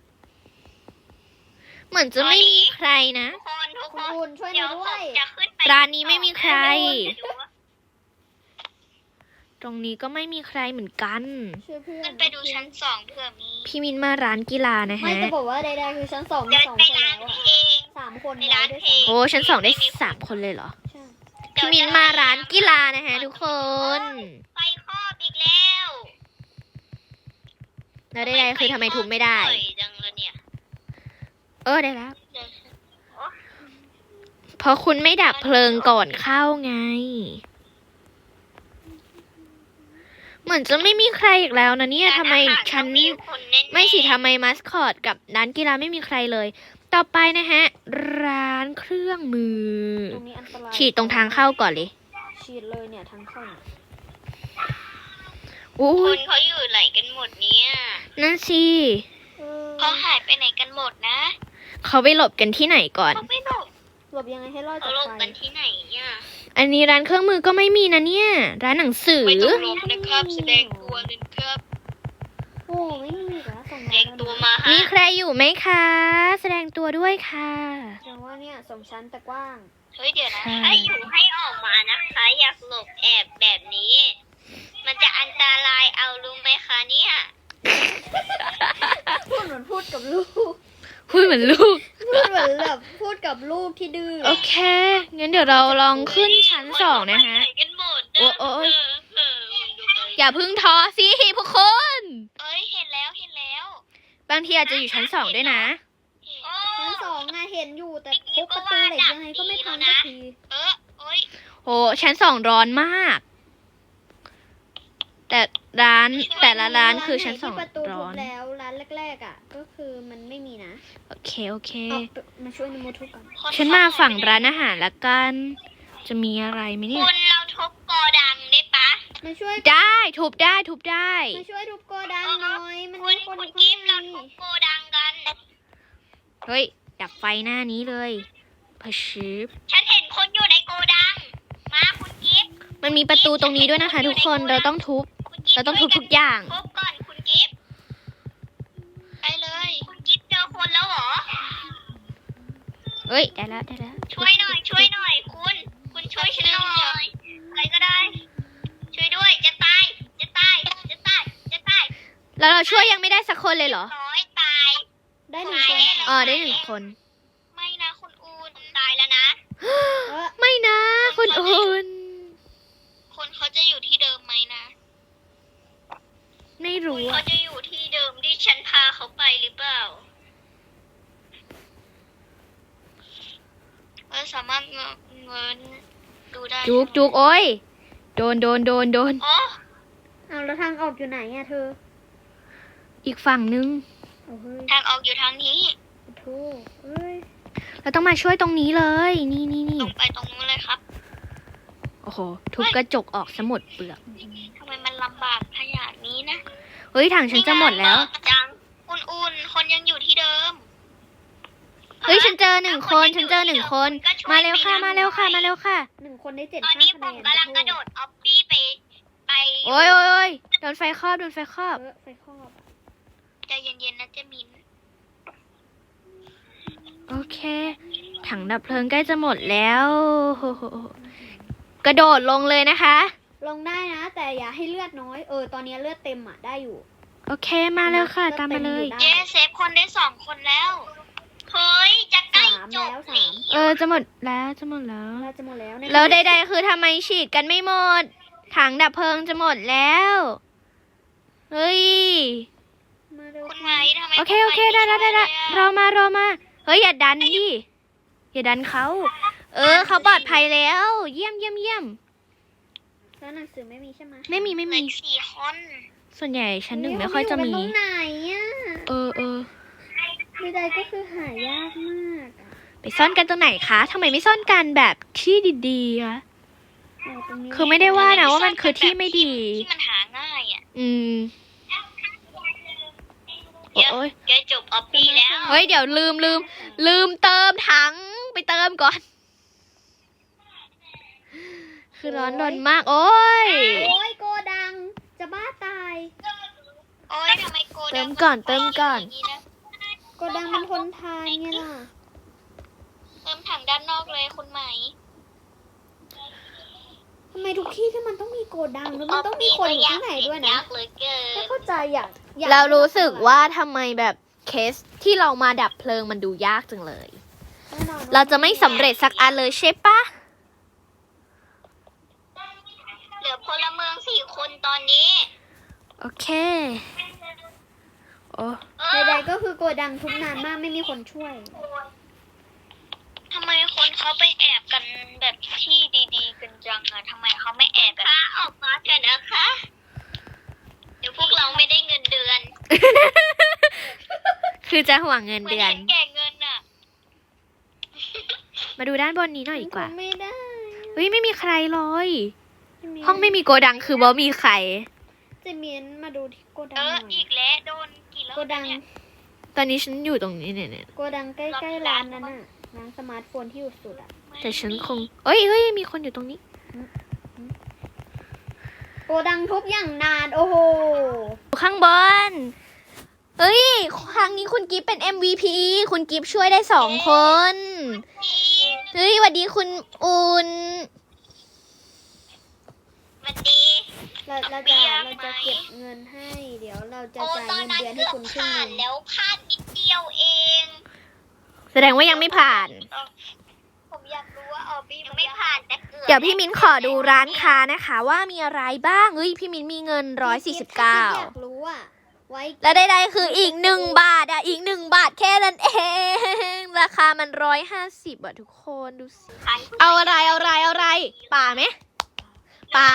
[SPEAKER 1] เหมือนจะไม่มีใครนะ
[SPEAKER 2] ทุก
[SPEAKER 3] คุ
[SPEAKER 2] ค
[SPEAKER 3] ณ
[SPEAKER 2] น
[SPEAKER 3] อุ่นช่วยห
[SPEAKER 2] เดี๋
[SPEAKER 3] น่
[SPEAKER 2] ย
[SPEAKER 3] อ
[SPEAKER 2] วย ผ
[SPEAKER 3] ด้ว
[SPEAKER 2] ม
[SPEAKER 3] ย
[SPEAKER 2] จะขึ้นไป
[SPEAKER 1] ร้านนี้ไม่มีใคร
[SPEAKER 2] จะดูว่า
[SPEAKER 1] ตรงนี้ก็ไม่มีใครเหมือนกัน
[SPEAKER 3] ช่วยเพื่อน
[SPEAKER 2] ขึ้นไปดูชั้น2เผื่อมี
[SPEAKER 1] พี่มินมาร้านกีฬานะ
[SPEAKER 3] ไม่
[SPEAKER 1] ฮะ
[SPEAKER 3] จะบอกว่าใดๆคือชั้น2มี
[SPEAKER 2] เดิน
[SPEAKER 3] 2
[SPEAKER 2] ไป
[SPEAKER 3] คน
[SPEAKER 2] ร้า
[SPEAKER 3] แล้
[SPEAKER 2] น
[SPEAKER 3] วอ่ะ
[SPEAKER 2] เพลง
[SPEAKER 3] 3 คน
[SPEAKER 2] ไป
[SPEAKER 3] แล้ว
[SPEAKER 2] ร้าน
[SPEAKER 3] ด้วย
[SPEAKER 2] เพลง
[SPEAKER 1] โอ้ชั้น2ได้3 คนเลยเหรอ
[SPEAKER 3] ใช่
[SPEAKER 1] พี่มินมาร้านกีฬานะฮะทุกคน
[SPEAKER 2] ไฟครอบอีกแล้ว
[SPEAKER 1] แล้วใดๆคือทำไมทุบไม่ได้
[SPEAKER 2] บ่อยจังเลยเนี่ย
[SPEAKER 1] ได้แล้ว เพราะคุณไม่ดับเพลิงก่อนเข้าไง เหมือนจะไม่มีใครอีกแล้วนะเนี่ยทำไมฉัน ไม่สิทำไมมัสคอตกับร้านกีฬาไม่มีใครเลย ต่อไปนะฮะ ร้านเครื่องมือ
[SPEAKER 3] ตรงนี้อันตราย
[SPEAKER 1] ฉีดตรงทางเข้าก่อนเลย
[SPEAKER 3] ฉีดเลยเนี่ยทางเข้าเนี่ย
[SPEAKER 1] อู้
[SPEAKER 2] คนเขาอยู่ไหนกันหมดเนี่ย
[SPEAKER 1] นั่นสิ
[SPEAKER 3] เออ
[SPEAKER 2] เขาหายไปไหนกันหมดนะ
[SPEAKER 1] เขาไปหลบกันที่ไหนก่อน
[SPEAKER 2] เขาไม่หลบ
[SPEAKER 3] หลบยังไงให้รอด
[SPEAKER 2] เขา
[SPEAKER 3] จาก
[SPEAKER 2] หลบ
[SPEAKER 3] ไฟ
[SPEAKER 2] กันที่ไหนเนี่ย
[SPEAKER 1] อันนี้ร้านเครื่องมือก็ไม่มีนะเนี่ย ร้านหนังสือ
[SPEAKER 2] ไม่ต้องหลบนะครับ แสดงตัวเลยครับ
[SPEAKER 3] โอ้ไม่มีอีกแล้วส่ง
[SPEAKER 2] แสดงตัวมาฮะ
[SPEAKER 1] มีใครอยู่ไหมคะ แสดงตัวด้วยค่ะ
[SPEAKER 3] แสดงว่าเนี่ย2 ชั้นแต่กว้าง
[SPEAKER 2] เฮ้ยเดี๋ยวนะ
[SPEAKER 1] ค่ะ
[SPEAKER 2] ถ้าอยู่ให้ออกมานะคะ อยากหลบแอบแบบนี้ มันจะอันตรายเอารู้ไหมคะเนี่ย
[SPEAKER 3] พูดเหมือนพูดกับลูก
[SPEAKER 1] พูดเหมือนลูก
[SPEAKER 3] พูดเหมือนแบบพูดกับลูกที่ดื้อ
[SPEAKER 1] โอเค งั้นเดี๋ยวเราลองขึ้นชั้น2นะคะ
[SPEAKER 2] ไปไหกันหมด
[SPEAKER 1] โอ้โอ้ย
[SPEAKER 2] เออ
[SPEAKER 1] อย่าเพึ่งท้อสิพวกคน
[SPEAKER 2] เอ้ยเห็นแล้วเห็นแล้ว
[SPEAKER 1] บางทีอาจจะอยู่ชั้น2ด้วยนะ
[SPEAKER 3] ชั้น2อะเห็นอยู่แต่ทุบประตูเหล็กยังไงก็ไม่พังสักที
[SPEAKER 2] โอ้ย
[SPEAKER 1] โอ้ชั้น2ร้อนมากแต่แต่ละร้านคือชั้น
[SPEAKER 3] ไหที่ประตูทุบ
[SPEAKER 1] 200
[SPEAKER 3] แล้วร้านแรกๆอ่ะ ก็คือมันไม่มีนะ
[SPEAKER 1] โอเคโอเค
[SPEAKER 3] เอามาช่วยนโมทุบก่อน
[SPEAKER 1] ฉันมาฝั่งร้านอาหารละกัน จะมีอะไรไหมเนี่ย
[SPEAKER 2] คุณเราทุบโกดังได้ปะ
[SPEAKER 3] มาช่วย
[SPEAKER 1] ได้ทุบได้ทุบได้
[SPEAKER 3] มาช่วยทุบโกดังหน่อยมัน
[SPEAKER 2] คุ
[SPEAKER 3] มี
[SPEAKER 2] ณ
[SPEAKER 3] คนอยู่
[SPEAKER 2] กิฟต์
[SPEAKER 3] ข้า
[SPEAKER 2] เรา
[SPEAKER 3] งใน
[SPEAKER 2] ทุบโกดังกัน
[SPEAKER 1] เฮ้ย ดับไฟหน้านี้เลยพะชิบ
[SPEAKER 2] ฉันเห็นคนอยู่ในโกดัง มาคุณกิฟต์
[SPEAKER 1] มันมีประตูตรงนี้ด้วยนะคะ ทุกคนเราต้องทุบ
[SPEAKER 2] คุณกิฟต์
[SPEAKER 1] เราต้องทุบทุกอย่าง
[SPEAKER 2] ทุบก่อนคุณกิฟต์ไปเลย คุณกิฟต์เจอคนแล้วเหรอ
[SPEAKER 1] เฮ้ย ได้แล้วได้แล้ว
[SPEAKER 2] ช่วยหน่อย ช่วยหน่อย คุณช่วยฉันหน่อยใครก็ได้ ช่วยด้วย จะตาย จะตาย จะตาย จะตาย
[SPEAKER 1] แล้วเราช่วยยังไม่ได้สักคนเลยเหรอ
[SPEAKER 2] ร้อยตาย
[SPEAKER 3] ได้หนึ่งคน
[SPEAKER 1] อ๋อได้1 คน
[SPEAKER 2] ไม่นะคุณอูนตายแล้วนะ
[SPEAKER 3] เออ
[SPEAKER 1] ไม่นะคุณอุ่น
[SPEAKER 2] คนเขาจะอยู่ที่เดิมไหมนะ
[SPEAKER 1] ไม่
[SPEAKER 2] คุ
[SPEAKER 1] รู้
[SPEAKER 2] ณเขา
[SPEAKER 1] อะ
[SPEAKER 2] จะอยู่ที่เดิมที่ฉันพาเขาไปหรือเปล่าเราสามารถเงินดูได้
[SPEAKER 1] จุกจุกโอ้ยโดน
[SPEAKER 2] อ๋อ
[SPEAKER 3] เอาแล้วทางออกอยู่ไหนอ่ะเธอ
[SPEAKER 1] อีกฝั่งนึง
[SPEAKER 3] โอ้เฮ้ย
[SPEAKER 2] ทางออกอยู่ทางนี้
[SPEAKER 3] โธ่เอ้ย
[SPEAKER 1] เราต้องมาช่วยตรงนี้เลย นี่
[SPEAKER 2] ตรงไปตรงนู้นเลยครับ
[SPEAKER 1] โอ้โห ทุบกระจกออกซะหมดเปลือก
[SPEAKER 2] ทำไมมันลำบากขนาดนี้นะ
[SPEAKER 1] เฮ้ยถังฉันจะหมดแล้ว
[SPEAKER 2] จังอุ่นๆคนยังอยู่ที่เดิม
[SPEAKER 1] เฮ้ยฉันเจอ1 คนฉันเจอ1 คน มาเร็วค่ะมาเร็วค่ะมาเร็วค่ะ
[SPEAKER 3] 1 คนได้7
[SPEAKER 2] ตอน
[SPEAKER 3] 5
[SPEAKER 2] นี้
[SPEAKER 3] คะ
[SPEAKER 2] ผ
[SPEAKER 3] แน
[SPEAKER 2] ม
[SPEAKER 3] น
[SPEAKER 2] กำลังกระโดดออฟฟี่ไป
[SPEAKER 1] โอ้ยโดนไฟครอบโดนไฟครอบ
[SPEAKER 3] ไฟครอบอะ
[SPEAKER 2] ใจเย็นๆนะเจมิน
[SPEAKER 1] โอเค ถังดับเพลิงใกล้จะหมดแล้วโอ้โหกระโดดลงเลยนะคะ
[SPEAKER 3] ลงได้นะ แต่อย่าให้เลือดน้อย ตอนนี้เลือดเต็มอ่ะ ได้อยู่
[SPEAKER 1] โอเคมาแล้วค่ะ ตามมาเลย
[SPEAKER 2] เย้เซฟคนได้2 คนแล้ว เฮ้ย จะใกล้จบ
[SPEAKER 3] สาม
[SPEAKER 1] จะหมดแล้วจะหมดแล้ว
[SPEAKER 3] เราจะหมดแล้วใน
[SPEAKER 1] แล้วใดๆคือทำไมฉีดกันไม่หมด ถังดับเพลิงจะหมดแล้ว เฮ้ย
[SPEAKER 3] มาเร็ว
[SPEAKER 2] คุณไม้ทำไม
[SPEAKER 1] โอเคได้แล้วรอมาเฮ้ยอย่าดันดิอย่าดันเขาเขาปลอดภัยแล้ว เยี่ยม
[SPEAKER 3] แล้วหนังสือไม่มีใช่ไหม
[SPEAKER 1] ไม่มี
[SPEAKER 2] เหลืออีก4 คน
[SPEAKER 1] ส่วนใหญ่ชั้น 1ไม่ค่อยจะมี
[SPEAKER 3] ตรงไหนอ่ะ ใดๆก็คือหายากมากอะ
[SPEAKER 1] ไปซ่อนกันตรงไหนคะทำไมไม่ซ่อนกันแบบที่ดีๆคะ
[SPEAKER 3] ตรงนี้
[SPEAKER 1] คือไม่ได้ว่านะว่ามันคือที่ไม่ดี
[SPEAKER 2] ที่มันหาง่ายอ่ะ
[SPEAKER 1] โอ้ย
[SPEAKER 2] แกจบออฟฟี่แล้ว
[SPEAKER 1] เฮ้ยเดี๋ยวลืมเติมถังไปเติมก่อน คือร้อนรนมาก โอ้ย
[SPEAKER 3] โอ้ยโกดัง จะบ้าตาย
[SPEAKER 2] โอ้ยทำไมโกดัง
[SPEAKER 1] เติมก่อนเติมก่อน
[SPEAKER 2] ย่างะ
[SPEAKER 3] โกดังมันทนทานไงล่ะ
[SPEAKER 2] เติมถังด้านนอกเลยคุณไหม
[SPEAKER 3] ทำไมทุกที่ที่มันต้องมีโกดังแล้วมันต้องมีคนอยู่ข้างในด้วยนะ
[SPEAKER 2] ยากเหลือเกิ
[SPEAKER 3] ไม่
[SPEAKER 2] น
[SPEAKER 3] เข้าใจอยาก
[SPEAKER 1] เรารู้สึกว่าทำไมแบบเคสที่เรามาดับเพลิงมันดูยากจังเลย
[SPEAKER 3] แน่นอนว่
[SPEAKER 1] เราจะไม่สำเร็จสักอันเลยใช่ปะ
[SPEAKER 2] เหลือพลเมือง4 คนตอนนี้
[SPEAKER 1] โอเคโอ้
[SPEAKER 3] ใดๆก็คือโกดังทุกนานมากไม่มีคนช่วย
[SPEAKER 2] ทำไมคนเขาไปแอบกันแบบที่ดีๆกันจังอะทำไมเขาไม่แอบกันออกมาเถอะนะคะ เดี๋ยวพวกเราไม่ได้เงินเดือน
[SPEAKER 1] คือจะห่วงเงิน
[SPEAKER 2] เหมือน
[SPEAKER 1] เดือน
[SPEAKER 2] เห็นแก่เงินอะ
[SPEAKER 1] มาดูด้านบนนี้หน่อยดีกว่า
[SPEAKER 3] ไม่ได้
[SPEAKER 1] เฮ้ยไม่มีใครเลย ห้องไม่มีโกดังคือบ่มีใคร
[SPEAKER 3] เจเมียนมาดูที่โกดัง
[SPEAKER 2] เอ
[SPEAKER 3] ห
[SPEAKER 2] อ
[SPEAKER 3] น่อย
[SPEAKER 2] อีกแล้วโดนกี่รอบ
[SPEAKER 3] โกดัง
[SPEAKER 2] เนี่ย
[SPEAKER 1] ตอนนี้ฉันอยู่ตรงนี้เนี่ย
[SPEAKER 3] โกดังใกล้ๆร้านนั้นน่ะร้านสมาร์ทโฟนที่อยู่สุดอ่ะ
[SPEAKER 1] แต่ฉันคงเฮ้ยมีคนอยู่ตรงนี้
[SPEAKER 3] โกดังทุบอย่างนาน โอ้โห
[SPEAKER 1] อยู่ข้างบนเฮ้ยครั้งนี้คุณกิฟเป็น MVP คุณกิฟช่วยได้2 คนเฮ้ยสวัสดีคุณอุ่น
[SPEAKER 2] มันดี
[SPEAKER 3] เราจะเก็บเงินให้ เดี๋ยวเราจะ
[SPEAKER 2] โอ้
[SPEAKER 3] จ่าย
[SPEAKER 2] ตอน
[SPEAKER 3] เงิน
[SPEAKER 2] นั้น
[SPEAKER 3] เดือนให้
[SPEAKER 2] เกือบ
[SPEAKER 3] คุณครึ่ง
[SPEAKER 2] ผ่า
[SPEAKER 3] ห
[SPEAKER 2] น
[SPEAKER 3] นึง
[SPEAKER 2] แล้วพลาดนิดเดียวเอง
[SPEAKER 1] แสดงว่ายังไม่ผ่าน
[SPEAKER 2] ผมอยากรู้ว่าออบี้ยังไม่ผ่านแต่เกือบ
[SPEAKER 1] เดี๋ยวพี่มิ้นขอดูร้านค้านะคะ ว่ามีอะไรบ้างเฮ้ยพี่มิ้นมีเงิน
[SPEAKER 3] ถ้าคิดอยากรู้อ่ะ ไว้
[SPEAKER 1] 149และใดๆคืออีก1 บาทอีก1 บาทแค่นั้นเอง ราคามัน150ทุกคนดูสิ
[SPEAKER 2] ขาย
[SPEAKER 1] เอาอะไรป่าไหมป่า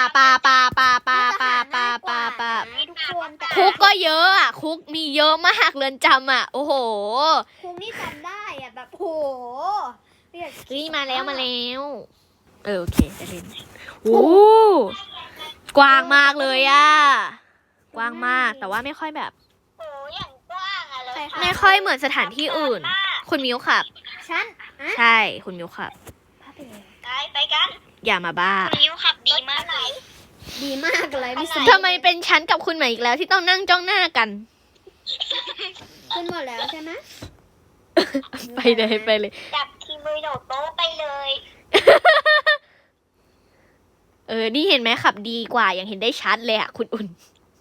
[SPEAKER 3] ทุกคนแต่
[SPEAKER 1] คุกก็เยอะอ่ะ คุกมีเยอะมากเรือนจำอ่ะ โอ้โห
[SPEAKER 3] คุกนี่จำได้อ่ะแบบโหเรียก
[SPEAKER 1] เฮ้ยมาแล้วโอเคได้เล่นโอ้กว้างมากเลยอ่ะ กว้างมากแต่ว่าไม่ค่อยแบบ
[SPEAKER 2] โอ้อย่างกว้างอะเลย
[SPEAKER 1] ไม่ค่อยเหมือนสถานที่อื่น คุณมิวขับ
[SPEAKER 3] ฉันอ่ะ
[SPEAKER 1] ใช่คุณมิวขับ
[SPEAKER 3] พาไปเลย
[SPEAKER 2] ไปกัน
[SPEAKER 1] อย่ามาบ้า
[SPEAKER 2] คุณนิ้วขับดีมากเลย
[SPEAKER 3] ดีมากเลยมิส
[SPEAKER 1] ทำไมเป็นฉันกับคุณใหม่อีกแล้วที่ต้องนั่งจ้องหน้ากัน
[SPEAKER 3] ขึ้นหมดแล้วใช่ไหม
[SPEAKER 1] ไปเลย
[SPEAKER 2] จับทีมือโดดโต๊ะไปเลย
[SPEAKER 1] นี่เห็นไหมขับดีกว่ายังเห็นได้ชัดเลยอ่ะ คุณอุ่น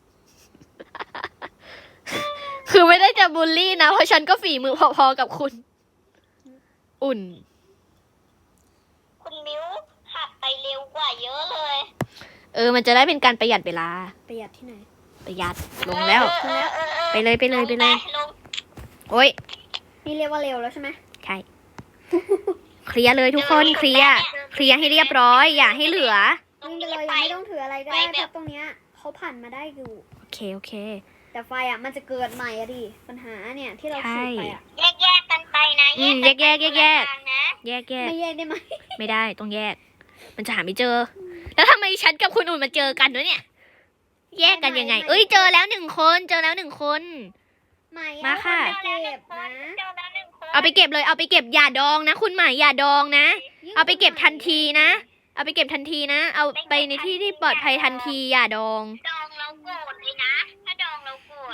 [SPEAKER 1] คือไม่ได้จะบูลลี่นะ เพราะฉันก็ฝีมือพอๆกับคุณ อุ่น
[SPEAKER 2] คุณมิ้วขับไปเร็วกว่าเยอะเลย
[SPEAKER 1] มันจะได้เป็นการประหยัดเวลา
[SPEAKER 3] ประหยัดที่ไหน
[SPEAKER 1] ประหยัดลงแล้ว ไปเลย
[SPEAKER 2] ลง
[SPEAKER 1] โอ้ย
[SPEAKER 3] นี่เรียกว่าเร็วแล้วใช่ไหม
[SPEAKER 1] ใช่ เคลียร์เลยทุกคนเคลียร์ให้เรียบร้อย อย่าให้เหลือ
[SPEAKER 3] วิ่งไปเลยยังไม่ต้องถืออะไรก็ได้เพราะตรงเนี้ยเขาผ่านมาได้อยู่
[SPEAKER 1] โอเค
[SPEAKER 3] แต่ไฟอ่ะมันจะเกิดใหม่อะดิปัญหาเนี่ยที่เราฉีดไปอ่ะ
[SPEAKER 2] แยกกันไปนะ
[SPEAKER 1] แยก
[SPEAKER 3] ไม่แยกได้ไหม
[SPEAKER 1] ไม่ได้ต้องแยก มันจะหาไม่เจอ แล้วทำไมฉันกับคุณอุ่นมาเจอกันด้วยเนี่ย แยกกันยังไง เจอแล้วหนึ่งคน
[SPEAKER 3] ไม่
[SPEAKER 1] มาค่ะ
[SPEAKER 3] เก็บนะ
[SPEAKER 1] เอาไปเก็บเลย เอาไปเก็บอย่าดองนะ คุณหมายอย่าดองนะ เอาไปเก็บทันทีนะ เอาไปเก็บทันทีนะ เอาไปในที่ที่ปลอดภัยทันทีอย่าดอง
[SPEAKER 2] ดองเราโกรธเลยนะ ถ้าดองเราโกรธ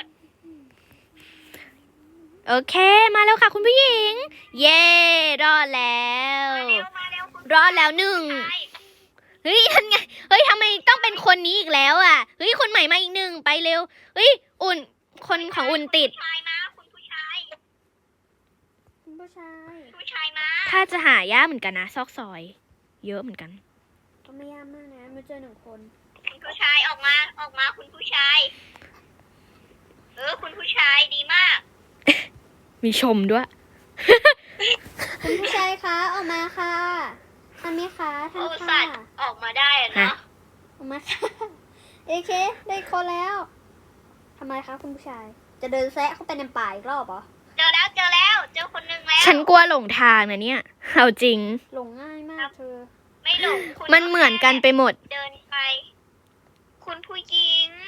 [SPEAKER 1] โอเค มาแล้วค่ะคุณผู้หญิง เย้รอดแล้ว
[SPEAKER 2] มาเร็วคุณ
[SPEAKER 1] รอดแล้วหนึ่ง เฮ้ยทันไง เฮ้ยทำไมต้องเป็นคนนี้อีกแล้วอ่ะ เฮ้ยคนใหม่มาอีกหนึ่งไปเร็ว เฮ้ยอุ่น คนของอุ่นติด
[SPEAKER 2] ผู้ชายมาคุณผู้ชาย
[SPEAKER 3] คุณผู้ชาย
[SPEAKER 2] ผู้ชายมา
[SPEAKER 1] ถ้าจะหายากเหมือนกันนะซอกซอย เยอะเหมือนกัน
[SPEAKER 3] ก็ไม่ยากมากนะมาเจอหนึ่งคน
[SPEAKER 2] คุณผู้ชายออกมาคุณผู้ชาย คุณผู้ชายดีมาก
[SPEAKER 1] มีชมด้วย
[SPEAKER 3] คุณผู้ชายคะออกมาค่ะทันไหมคะทัน
[SPEAKER 2] โอ้
[SPEAKER 3] ค่ะ
[SPEAKER 2] สัตว์ออกมาได้อะเนาะ
[SPEAKER 3] ออกมาค่ะเอเคได้คนแล้วทำไมคะคุณผู้ชาย จะเดินแซะเข้าไปในป่าอีกรอบเหรอ
[SPEAKER 2] เจอแล้วเจอคนหนึ่งแล้ว
[SPEAKER 1] ฉันกลัวหลงทางนะเนี่ย เอาจริง
[SPEAKER 3] หลงง่ายมากเธอ
[SPEAKER 2] ไม่หลงคุณ
[SPEAKER 1] มันเหมือนกันไปหมด
[SPEAKER 2] เดินไป คุณผู้หญิง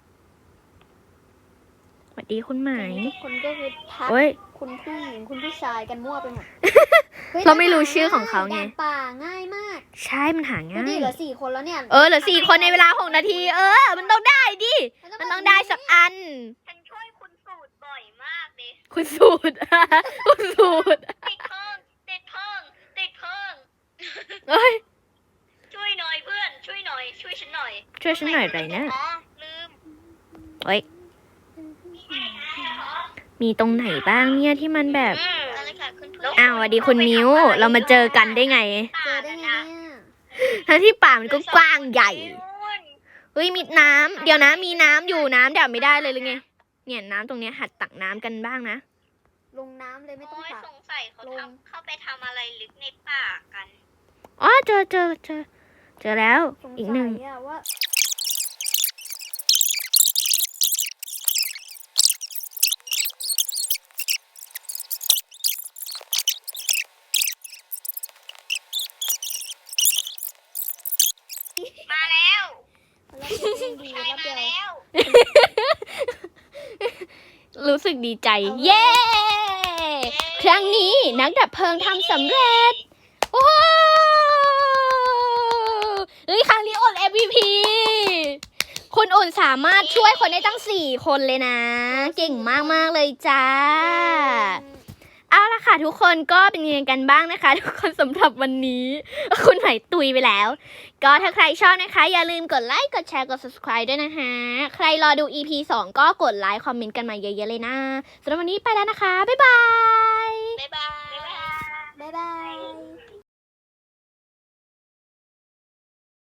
[SPEAKER 1] สวัสดีคุณหมาย
[SPEAKER 3] ทุกคนก็คือทัก
[SPEAKER 1] โอ้ย
[SPEAKER 3] คุณผู้หญิงคุณผู้ชายกันมั่วไปหมดฮ้ย
[SPEAKER 1] เราไม่รู้ชื่อของเขาไง
[SPEAKER 3] ด่นป่าง่ายมาก
[SPEAKER 1] ใช่มันหา
[SPEAKER 3] ดู
[SPEAKER 1] ง่า
[SPEAKER 3] ดิ
[SPEAKER 1] ย
[SPEAKER 3] เหลือ4 คนแล้วเนี่ย
[SPEAKER 1] เหลือ4 คนในเวลา6 นาที มันต้องได้ดิ มันต้องได้สักอัน
[SPEAKER 2] ฉันช่วยคุณสูตรบ่อยมากเลย
[SPEAKER 1] คุณสูตร คุณสูตร
[SPEAKER 2] ติดเพิ่งติดเพิ่งติดเพิ่ง
[SPEAKER 1] เอ้ย
[SPEAKER 2] ช่วยหน่อยเพื่อน ช่วยหน่อย ช่วยฉันหน่อย
[SPEAKER 1] ช่วยฉันหน่อยไปนะ
[SPEAKER 2] อ๋อลืม
[SPEAKER 1] เอ้ย มีตรงไหนบ้างเนี่ยที่มันแบบ
[SPEAKER 2] อะไรค่ะคุณผู้
[SPEAKER 1] อ้าวสวัสดีคุณมิว เรามาเจอกันได้ไง
[SPEAKER 3] เจอได้ไงเนี่ย
[SPEAKER 1] ทั้งที่ป่ามันก็กว้างใหญ่ เฮ้ยมีน้ำเดี๋ยวนะมีน้ำอยู่น้ำดับไม่ได้เลยหรือไง เนี่ยน้ำตรงเนี้ยหัดตักน้ำกันบ้างนะ
[SPEAKER 3] ลงน้ำเลยไม่ต้อง
[SPEAKER 2] โอ้ย
[SPEAKER 3] ตัก
[SPEAKER 2] สงสัยเขาเข้าไปทำอะไรลึกในป่ากัน
[SPEAKER 1] อ๋อเจอแล้ว
[SPEAKER 3] สง
[SPEAKER 1] อีก
[SPEAKER 3] สั
[SPEAKER 1] หนึ่ง
[SPEAKER 3] ยอะว่า
[SPEAKER 2] มาแล้ว
[SPEAKER 3] เราเป็นดี
[SPEAKER 2] ใช่
[SPEAKER 3] รับ
[SPEAKER 2] มา
[SPEAKER 3] เดียว
[SPEAKER 2] แล้ว
[SPEAKER 1] รู้สึกดีใจ เย้ ครั้งนี้นักดับเพลิงทำสำเร็จ โอ้โหเฮ้ยครั้งนี้อุ่น MVP คุณอุ่นสามารถช่วยคนได้ตั้ง4 คนเลยนะ เก่งมากๆเลยจ้า เอาละค่ะทุกคนก็เป็นยังไงกันบ้างนะคะ ทุกคนสำหรับวันนี้ คุณไหนตุยไปแล้ว ก็ถ้าใครชอบนะคะ อย่าลืมกดไลค์กดแชร์กด subscribe ด้วยนะคะ ใครรอดู EP 2 ก็กดไลค์คอมเมนต์กันมาเยอะๆเลยนะสำหรับวันนี้ไปแล้วนะคะ บ๊ายบาย
[SPEAKER 2] บ๊ายบาย
[SPEAKER 3] บ๊ายบาย